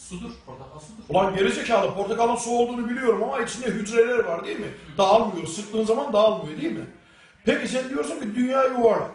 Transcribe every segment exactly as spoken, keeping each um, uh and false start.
Sudur, portakal sudur. Ulan gerizekalı, portakalın su olduğunu biliyorum ama içinde hücreler var değil mi? Dağılmıyor, sıktığın zaman dağılmıyor değil mi? Peki sen diyorsun ki dünya yuvarlak.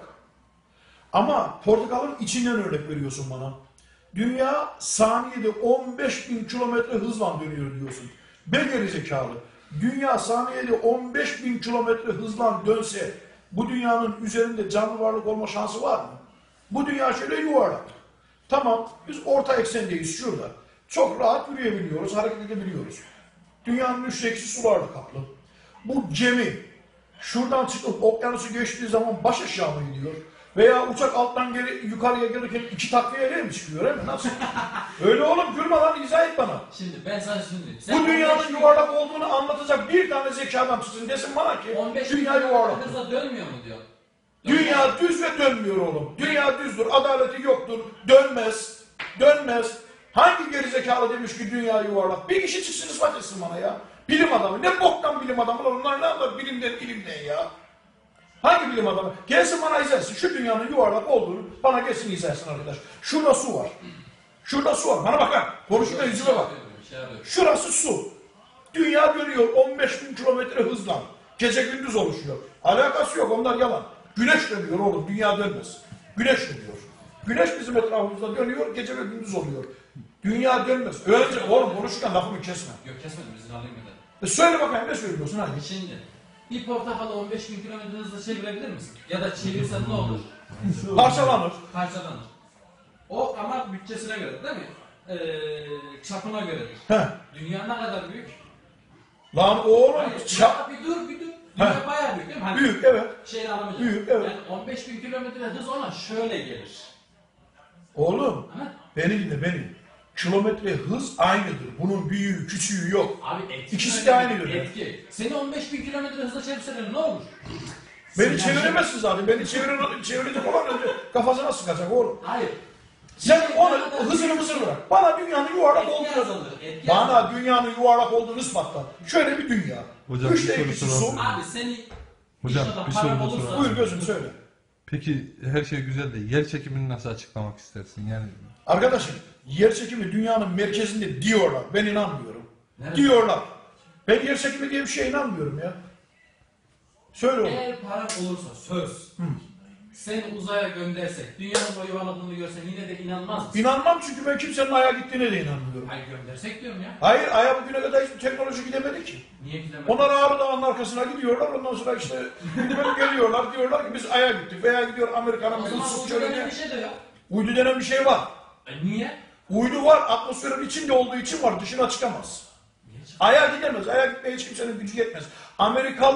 Ama portakalın içinden örnek veriyorsun bana. Dünya saniyede on beş bin kilometre hızla dönüyor diyorsun. Be gerizekalı. Dünya saniyede on beş bin kilometre hızla dönse bu dünyanın üzerinde canlı varlık olma şansı var mı? Bu dünya şöyle yuvarlak. Tamam, biz orta eksendeyiz şurada. Çok rahat yürüyebiliyoruz, hareket edebiliyoruz. Dünyanın üçte ikisi sularla kaplı. Bu gemi şuradan çıkıp okyanusu geçtiği zaman baş aşağı mı gidiyor? Veya uçak alttan geri yukarıya gelirken iki takviyeyle mi çıkıyor, değil mi? Nasıl? Öyle oğlum, gülme lan, izah et bana. Şimdi ben sana şimdi... Bu dünyanın yuvarlak olduğunu anlatacak bir tane zeki adam çıksın desin bana ki dünya yuvarlak. Hızla dönmüyor mu diyor. Dünya düz ve dönmüyor oğlum. Dünya düzdür, adaleti yoktur, dönmez, dönmez. Hangi gerizekalı demiş ki dünya yuvarlak? Bir kişi çıksın ispat etsin bana ya. Bilim adamı. Ne boktan bilim adamı lan? Onlar ne anlar bilimden ilimden ya? Hangi bilim adamı? Gelsin bana izlersin. Şu dünyanın yuvarlak olduğunu bana gelsin izlersin arkadaş. Şurada su var. Şurada su var. Bana bak ha. Konuşurken yüzüme bak. Şurası su. Dünya dönüyor on beş bin kilometre hızla. Gece gündüz oluşuyor. Alakası yok, onlar yalan. Güneş dönüyor oğlum, dünya dönmez. Güneş dönüyor. Güneş bizim etrafımızda dönüyor, gece ve gündüz oluyor. Dünya dönmez. Öylece oğlum konuşurken lafımı kesme. Yok kesmedim, izin alayım bir de. E söyle bakayım, ne söylüyorsun hadi. Şimdi bir portakalı on beş bin kilometre hızla çevirebilir misin? Ya da çevirsen ne olur? Parçalanır. Parçalanır. O ama bütçesine göre değil mi? Ee, çapına göredir. Heh. Dünya ne kadar büyük? Lan oğlum Hayır, çap... bir dur bir dur. Dünya bayağı büyük değil mi? Hani Büyük, evet. Şeyini alamayacağım. Büyük, evet. Yani on beş bin kilometre hız ona şöyle gelir. Oğlum, Ha? beni dinle beni. Kilometre hız aynıdır. Bunun büyüğü, küçüğü yok. Abi etki. İkisi de aynı göre. Etki. Seni on beş bin kilometre hızla çevirseler ne olur? Beni Sen çeviremezsin zaten. Beni çevirir, çevirecek olan önce kafasına sıkacak oğlum. Hayır. Sen onu hızını mısır bırak. Bana dünyanın yuvarlak Etki olduğunu... azalır. Etki Bana azalır. dünyanın yuvarlak olduğunu ispatla. Şöyle bir dünya. Hocam, Üçte bir soru ikisi su. soralım. Abi seni Hocam, inşallah bir paran soru da olursa- soralım. Buyur gözüm söyle. Peki her şey güzel de yer çekimini nasıl açıklamak istersin? Yani Arkadaşım, yer çekimi dünyanın merkezinde diyorlar. Ben inanmıyorum. Nerede? Diyorlar. Ben yer çekimi diye bir şeye inanmıyorum ya. Söyle oğlum. Eğer paran olursa söz. Hı. Seni uzaya göndersek, dünyanın o yuvarladığını görsen yine de inanmaz mısın? İnanmam çünkü ben kimsenin Ay'a gittiğine de inanmıyorum. Hayır göndersek diyorum ya. Hayır, Ay'a bugüne kadar hiçbir teknoloji gidemedi ki. Niye gidemedin? Onlar Ağrı Dağı'nın arkasına gidiyorlar, ondan sonra işte gidip geliyorlar, diyorlar ki biz Ay'a gittik veya gidiyor Amerika'nın O bir zaman ıssız uydu denen çölüne. bir şey de yok. Uydu denen bir şey var. E niye? Uydu var, atmosferin içinde olduğu için var, dışına çıkamaz. Niye çıkıyor? Ay'a gidemez, Ay'a gitmeye hiç kimsenin gücü yetmez. Amerikalı